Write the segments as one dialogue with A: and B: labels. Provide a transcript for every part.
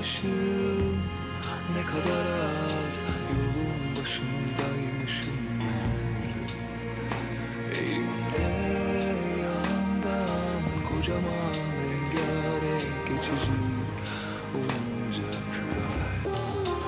A: yanmışım, ne kadar az yolun başındaymışım meğer. Elimde yandan kocaman rengarenk geçici oyuncak zafer.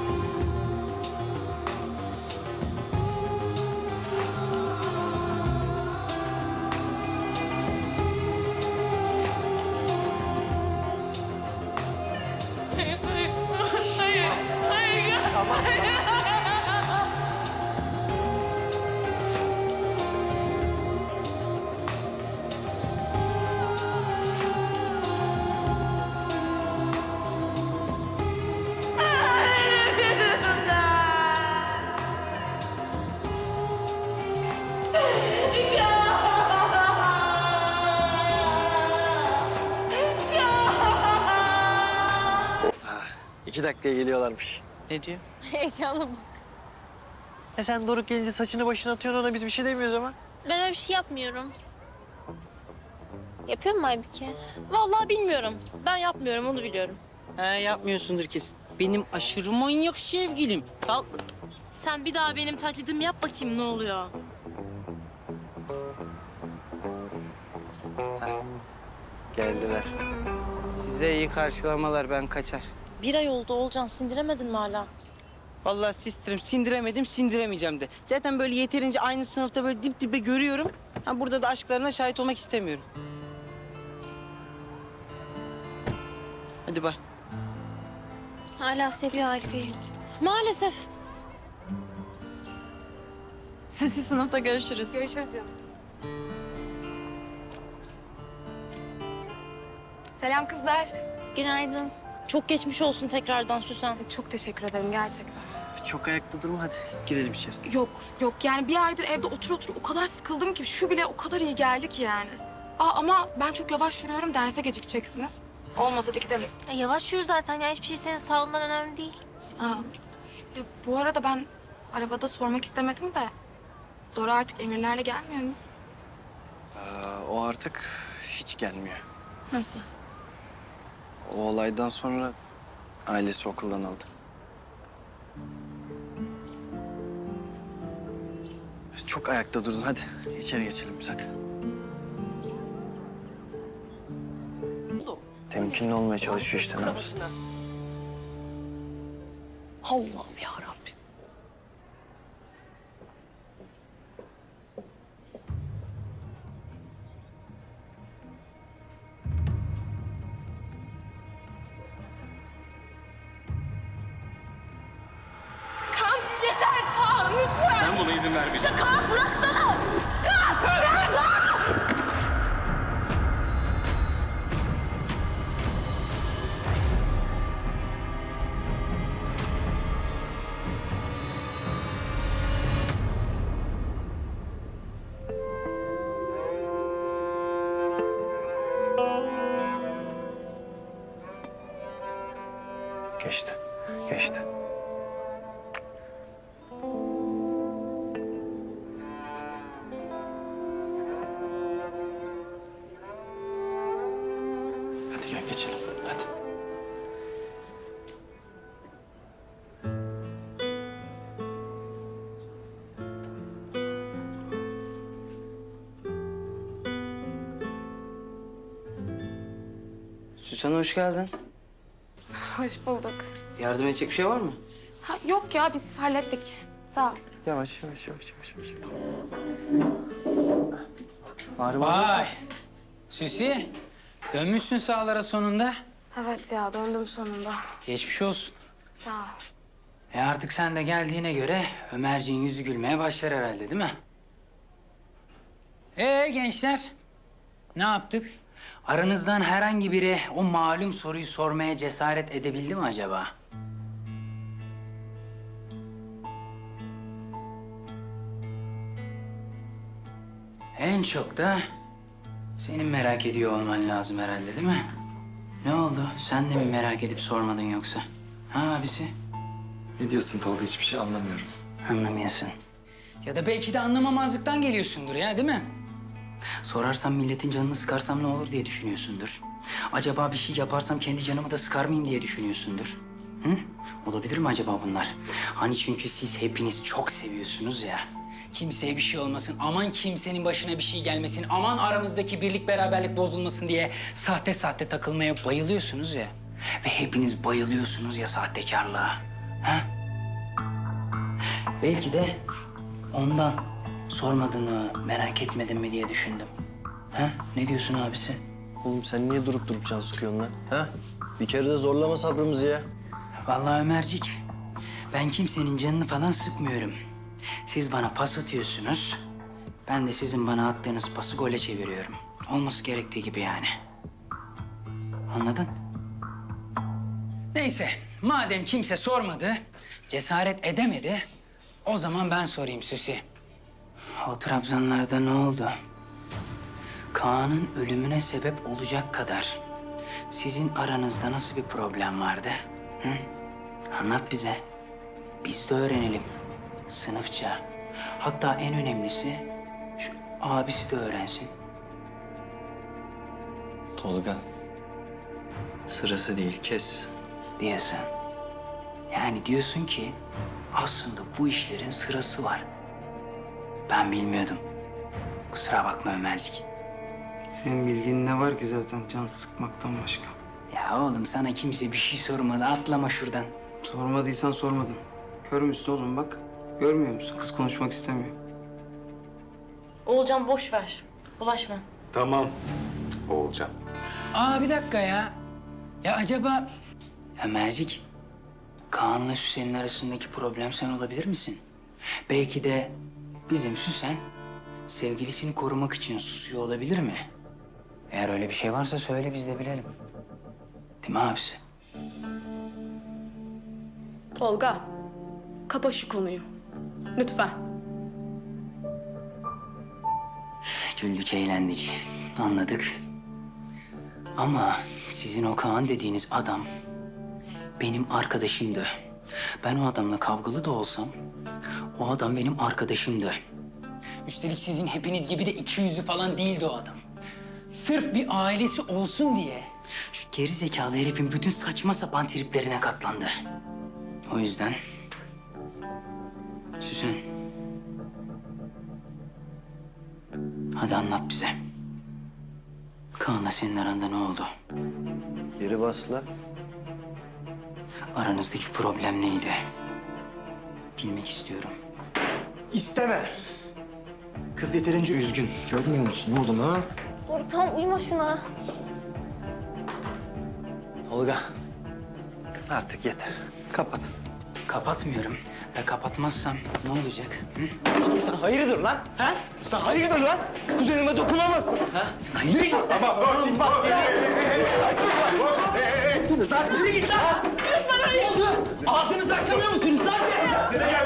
B: İki dakikaya geliyorlarmış.
C: Ne diyor?
D: Heyecanlı bak.
B: Sen Doruk gelince saçını başına atıyorsun, ona biz bir şey demiyoruz ama.
D: Ben öyle bir şey yapmıyorum. Yapıyor mu Aybike?
E: Vallahi bilmiyorum. Ben yapmıyorum, onu biliyorum.
C: He, yapmıyorsundur kesin. Benim aşırı manyak sevgilim. Sal.
E: Sen bir daha benim taklidimi yap bakayım ne oluyor.
B: Geldiler.
C: Size iyi karşılamalar, ben kaçar.
E: Bir ay oldu Olcan, sindiremedin mi hala?
C: Vallahi sistirim, sindiremedim, sindiremeyeceğim de. Zaten böyle yeterince aynı sınıfta böyle dip dibe görüyorum. Ha, burada da aşklarına şahit olmak istemiyorum. Hadi bay.
D: Hala seviyor Aybike'yi.
E: Maalesef.
F: Sesi sınıfta görüşürüz.
D: Görüşürüz canım. Selam kızlar. Günaydın.
E: Çok geçmiş olsun tekrardan Süsen.
G: Çok teşekkür ederim gerçekten.
B: Çok ayakta durma, hadi girelim içeri.
G: Yok yani bir aydır evde otur o kadar sıkıldım ki şu bile o kadar iyi geldi ki yani. Ama ben çok yavaş yürüyorum, derse gecikeceksiniz. Olmaz, hadi gidelim.
D: Yavaş yürü zaten ya. Hiçbir şey senin sağlığından önemli değil.
G: Bu arada ben arabada sormak istemedim de... Dora artık emirlerle gelmiyor mu?
B: O artık hiç gelmiyor.
G: Nasıl?
B: O olaydan sonra ailesi okuldan aldı. Çok ayakta durdun, hadi içeri geçelim biz, hadi. Temkinli olmaya çalışıyor işte, ne yapsın?
E: Allah'ım yarabbim.
H: Ben buna izin vermeyeceğim.
B: Geçti, geçti. Hadi gel geçelim, hadi.
C: Süsen, hoş geldin.
G: Hoş bulduk.
C: Yardım edecek bir şey var mı?
G: Yok ya, biz hallettik. Sağ ol.
B: Yavaş, yavaş, yavaş, yavaş, yavaş. Bari
I: Vay! Süsi, dönmüşsün sahalara sonunda.
G: Evet ya, döndüm sonunda.
I: Geçmiş olsun.
G: Sağ ol.
I: Artık sen de geldiğine göre Ömerciğin yüzü gülmeye başlar herhalde, değil mi? Gençler, ne yaptık? Aranızdan herhangi biri o malum soruyu sormaya cesaret edebildi mi acaba? En çok da senin merak ediyor olman lazım herhalde, değil mi? Ne oldu? Sen de mi merak edip sormadın yoksa? Ha abisi?
H: Ne diyorsun Tolga? Hiçbir şey anlamıyorum.
I: Anlamıyorsun. Ya da belki de anlamamazlıktan geliyorsundur ya, değil mi? Sorarsam milletin canını sıkarsam ne olur diye düşünüyorsundur. Acaba bir şey yaparsam kendi canımı da sıkar mıyım diye düşünüyorsundur. Hı? Olabilir mi acaba bunlar? Hani çünkü siz hepiniz çok seviyorsunuz ya. Kimseye bir şey olmasın, aman kimsenin başına bir şey gelmesin, aman aramızdaki birlik beraberlik bozulmasın diye sahte sahte takılmaya bayılıyorsunuz ya. Ve hepiniz bayılıyorsunuz ya sahtekarlığa. Ha? Belki de ondan sormadın mı, merak etmedin mi diye düşündüm. Ha? Ne diyorsun abisi?
B: Oğlum sen niye durup durup can sıkıyorsun lan? Ha? Bir kere de zorlama sabrımızı ya.
I: Vallahi Ömercik, ben kimsenin canını falan sıkmıyorum. Siz bana pas atıyorsunuz, ben de sizin bana attığınız pası gole çeviriyorum. Olması gerektiği gibi yani. Anladın? Neyse, madem kimse sormadı, cesaret edemedi, o zaman ben sorayım Süsi. O Trabzonlarda ne oldu? Kaan'ın ölümüne sebep olacak kadar sizin aranızda nasıl bir problem vardı? Hı? Anlat bize. Biz de öğrenelim. Sınıfça. Hatta en önemlisi şu abisi de öğrensin.
B: Tolga. Sırası değil, kes.
I: Diyorsun. Yani diyorsun ki aslında bu işlerin sırası var. Ben bilmiyordum. Kusura bakma Ömercik.
C: Senin bildiğin ne var ki zaten can sıkmaktan başka?
I: Ya oğlum sana kimse bir şey sormadı. Atlama şuradan.
C: Sormadıysan sormadım. Kör müsün oğlum bak? Görmüyor musun? Kız konuşmak istemiyor.
E: Oğulcan boş ver. Bulaşma.
H: Tamam. Oğulcan.
I: Aa bir dakika ya. Ya acaba... Ömercik, Kaan'la Süsen'in arasındaki problem sen olabilir misin? Belki de bizim Süsen sevgilisini korumak için susuyor olabilir mi? Eğer öyle bir şey varsa söyle biz de bilelim. Değil mi abisi?
G: Tolga, kapa şu konuyu. Lütfen.
I: Güldük, eğlendik. Anladık. Ama sizin o Kaan dediğiniz adam benim arkadaşımdı. Ben o adamla kavgalı da olsam o adam benim arkadaşımdı. Üstelik sizin hepiniz gibi de iki yüzlü falan değildi o adam. Sırf bir ailesi olsun diye şu geri zekalı herifin bütün saçma sapan triplerine katlandı. O yüzden Süsen, hadi anlat bize. Kaan'la senin aranda ne oldu?
B: Geri bas la.
I: Aranızdaki problem neydi? Bilmek istiyorum.
H: İsteme. Kız yeterince üzgün. Görmüyor musun oğlum ha?
D: Doruk tamam uyuma şuna.
B: Tolga. Artık yeter. Kapat.
I: Kapatmıyorum. Ve kapatmazsam ne olacak? Hı?
B: Oğlum sen hayırdır lan? Ha? Sen hayırdır lan? Kuzenime dokunamazsın. Ha?
I: Lan yürü git sen.
B: Oğlum bak
E: Sizi git lan! Lütfen hayır! Ne oldu? Ağzınızı açamıyor musunuz lan? Ya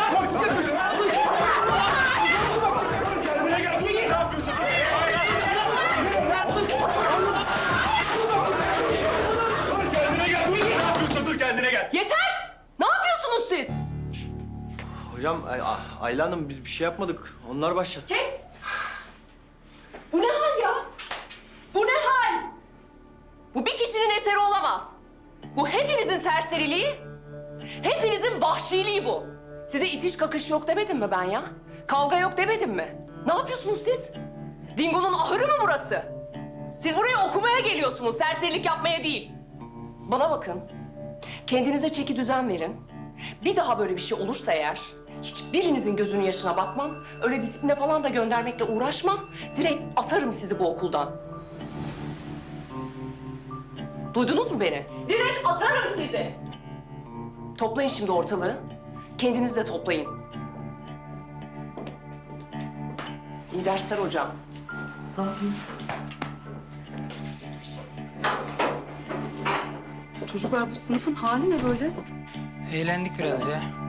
F: Yeter! Ne yapıyorsunuz siz?
B: Hocam Ayla Hanım biz bir şey yapmadık. Onlar başlattı.
F: Kes! Bu ne hal ya? Bu ne hal? Bu bir kişinin eseri olamaz. Bu hepinizin serseriliği, hepinizin vahşiliği bu. Size itiş kakış yok demedim mi ben ya? Kavga yok demedim mi? Ne yapıyorsunuz siz? Dingo'nun ahırı mı burası? Siz buraya okumaya geliyorsunuz, serserilik yapmaya değil. Bana bakın, kendinize çeki düzen verin. Bir daha böyle bir şey olursa eğer, hiçbirinizin gözünün yaşına bakmam, öyle disipline falan da göndermekle uğraşmam. Direkt atarım sizi bu okuldan. Duydunuz mu beni? Direkt atarım sizi. Toplayın şimdi ortalığı. Kendiniz de toplayın. İyi dersler hocam. Sağ olun.
G: Çocuklar bu sınıfın hali ne böyle?
I: Eğlendik biraz ya.